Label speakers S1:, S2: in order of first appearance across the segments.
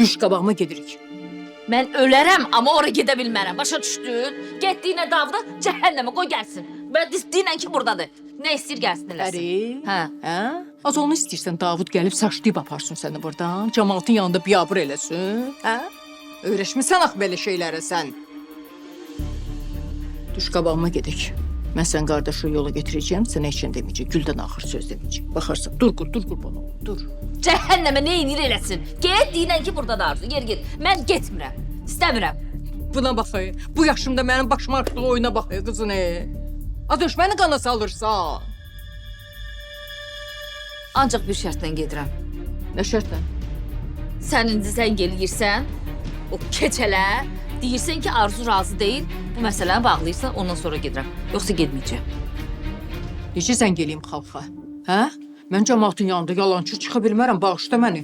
S1: Düş qabağıma gedirik.
S2: Mən ölərəm, amma ora gedə bilmərəm. Başa düşdün? Getdiyinə Davuda cəhənnəmə qoy gəlsin. Və deyinən ki, buradadır. Nə istəyir gəlsin eləsin.
S1: Əri?
S2: Hə.
S1: Hə? Az onu istəyirsən Davud gəlib saçlayıb aparsın səni buradan. Cəmaatın yanında biyabır eləsin. Hə? Öyrəşmisən axı belə şeylərə sən. Düş qabağıma gedək. Mən sən qardaşı yola getirəcəyim, sənə heç nə deməyəcək. Güldən axır söz deməyəcək. Baxarsan, dur qurban ol, dur.
S2: Cəhənnəmə nə inir eləsin. Get, deyinən ki, buradadır Arzu. Yer get. Mən getmirəm. İstəmirəm.
S1: Buna baxay. Bu yaşımda mənim başıma açdığı oyuna baxay qızın. Az düşməni qana salırsan.
S2: Ancaq bir şərtlə gedirəm.
S1: Nə şərtlə?
S2: Sən indi zəng eləyirsən, o keçələ, deyirsən ki, Arzu razı deyil, bu məsələni bağlayırsan, ondan sonra gedirəm. Yoxsa getməyəcəm.
S1: Necə zəng eləyim xalqa? Hə? Mən cəmaatın yanında yalançı çıxa bilmərəm, bağışla məni.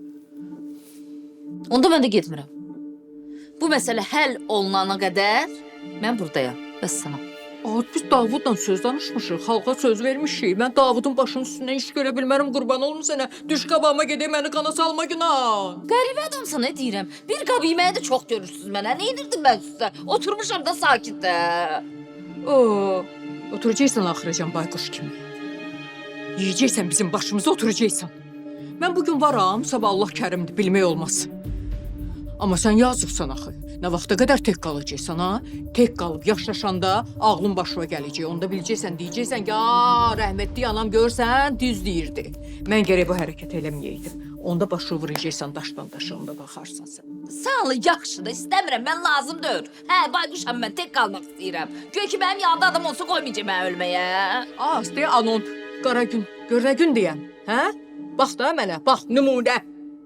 S2: Onda mən də getmirəm. Bu məsələ həll olunana qədər mən buradayam. Vəssalam.
S1: Biz Davudla söz danışmışıq, xalqa söz vermişik. Mən Davudun başının üstündən iş görə bilmərəm, qurban olum sənə. Düş qabağıma gedək, məni qana salma günah.
S2: Qəribə adamsan, nə deyirəm? Bir qab yeməyi də çox görürsünüz mənə. Nə edirdim mən sizə? Oturmuşam da sakitdə.
S1: Oturacaqsan axıracan bayquş kimi. Yiyəcəksən bizim başımıza, oturacaqsan. Mən bugün varam, sabah Allah kərimdir, bilmək olmaz. Amma sən yazıqsan axı. Nə vaxta qədər tək qalacaqsan, ha? Tək qalıb yaşlaşanda ağlın başına gələcək. Onda biləcəksən, deyəcəksən ki, rəhmətli anam görsən, düz deyirdi. Mən gərək bu hərəkət eləməyəydim. Onda başı vuracaqsan daşdan daşa, onda baxarsan sən.
S2: Sağ ol, yaxşıdır, istəmirəm, mən lazım deyil. Hə, bayquşam, mən tək qalmaq istəyirəm. Göy ki, mənim yanında adam olsa qoymayacaq mən ölməyə.
S1: Deyə anon, qara gün, gör nə gün deyəm, hə? Bax da mənə, bax, nümunə.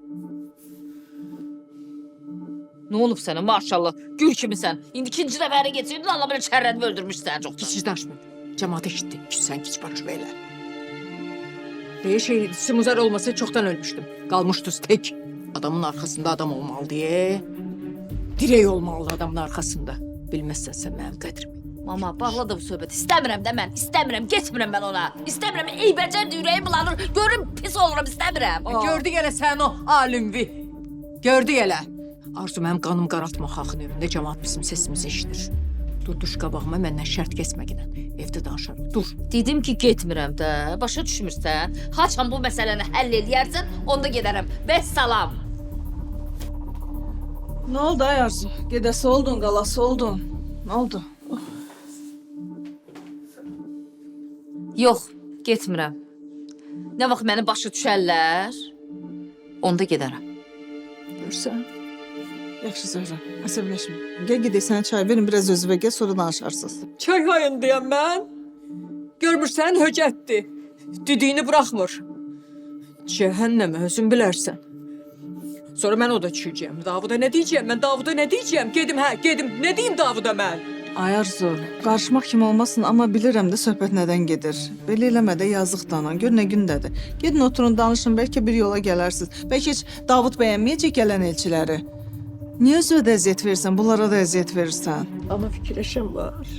S2: Nə olub sənə, maşallah, gül kimisən. İndi ikinci dəfəri getirdin, Allah belə çərrədimi öldürmüşsən çox.
S1: Kiçik daşmı? Cəmaat eşitdi, sən kiç baş belə. Simuzar olmasa çoxdan ölmüşdüm. Qalmışdınız tək. Adamın arxasında adam olmalı deyə. Dirək olmalı adamın arxasında. Bilməzsən sən mənim qədrimi.
S2: Mama, bağla da bu söhbəti. İstəmirəm də mən, istəmirəm, getmirəm mən ona. İstəmirəm, eybəcərdir, ürəyim bulanır. Görüm, pis olurum, istəmirəm.
S1: Gördük elə sən o alimvi. Gördük elə. Arzu, mənim qanım qaraltma xalqın evində cəmaat bizim sesimizi eşidir. Dur, düş qabağıma, məndən şərt kəsməginə. Evdə danışarım, dur.
S2: Dedim ki, getmirəm də, başa düşmürsən. Haçan bu məsələni həll eləyərsən, onda gedərəm. Vəssalam.
S3: Nə oldu ay Arzu? Gedəsi oldun, qalası oldun. Nə oldu?
S2: Yox, getmirəm. Nə vaxt məni başa düşərlər, onda gedərəm.
S1: Görsən?
S3: Yaxşı Zöhrə, əsəbləşmə. Gəl gedək sənə çay verin, biraz özünə gəl, sonra danışarsınız.
S1: Çay hayın deyəm mən. Görmürsən, höcətdir. Düdüyünü buraxmır. Cəhənnəmə, özün bilərsən. Sonra mən o da çürüyəcəm. Davuda nə deyəcəm? Mən Davuda nə deyəcəm? Gedim, gedim. Nə deyim Davuda mən?
S3: Ay Arzu, qarışmaq kimi olmasın, amma bilirəm də söhbət nədən gedir. Belə eləmə də yazıq danan, gör nə gündədir. Gedin oturun, danışın, bəlkə bir yola gələrsiniz. Bəlkə heç Davud bəyənməyəcək gələn elçiləri. Niyə özünə də əziyyət verirsən, bunlara da əziyyət verirsən?
S1: Amma fikirləşəm var.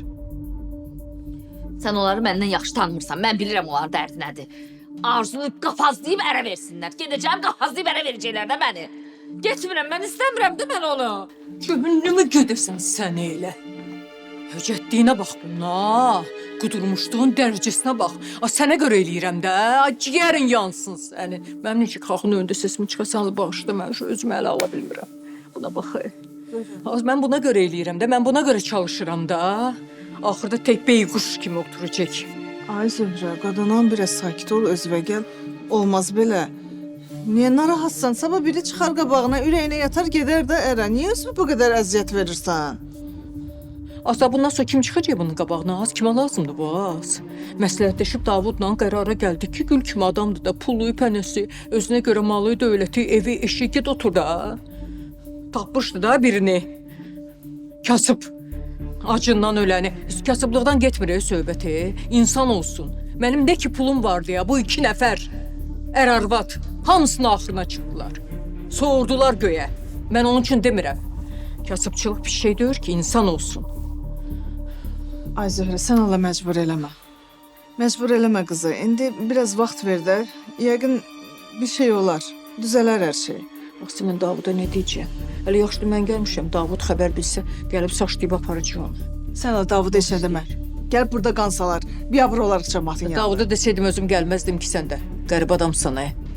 S2: Sən onları məndən yaxşı tanımırsan, mən bilirəm onların dərdi nədir. Arzunu qafazlayıb ərə versinlər. Gedəcəm, qafazlayıb ərə verəcəklər də məni. Getmirəm, mən istəmirəm də mən onu.
S1: Cəhənnəmə gedirsən sən elə. Höcətdiyinə bax buna. Qudurmuşduğun dərəcəsinə bax. Sənə görə eləyirəm də. Ciyərin yansın səni. Mənim necə xalqın önündə sesimi çıxasanız bağışla, mən şu özümü ələ ala bilmirəm. Buna bax. Mən buna görə eləyirəm də, mən buna görə çalışıram da. Axırda tək beyquş kimi oturacaq.
S3: Ay Zöhrə, qadanan biraz sakit ol, özünə gəl. Olmaz belə. Niyə narahatsan? Sabah biri çıxar qabağına, ürəyinə yatar gedər də ərə. Niyə özünə bu qədər əziyyət verirsən?
S1: Asa bundan sonra kim çıxacaq bunun qabağına? Az kimə lazımdır bu az? Məsləhətləşib Davudla qərara gəldik ki, gül kimi adamdır da, pulu, pənəsi, özünə görə malı, dövləti, evi, eşi, ged otur da. Tapmışdı da birini. Kasıb. Acından öləni. Kasıblıqdan getmir söhbəti. İnsan olsun. Mənim nə ki pulum vardı ya, bu 2 nəfər. Ər-arvad. Hamısının axırına çıxdılar. Soğurdular göyə. Mən onun üçün demirəm. Kasıbçılıq bir şey deyir ki, insan olsun.
S3: Ay Zöhrə, sən Allah məcbur eləmə. Məcbur eləmə qızı. İndi biraz vaxt ver də. Yəqin bir şey olar. Düzələr hər şey.
S1: Bax mən Davuda nə deyəcəm? Hələ yaxşıdır mən gəlmişəm. Davud xəbər bilsə, gəlib saçlayıb aparacağam.
S3: Sən o Davud eşə demə. Gəl burada qansalar, biabır olarıq cəmaatın yanında.
S1: Davuda desəydim özüm gəlməzdim ki sən də. Qərib adamsan,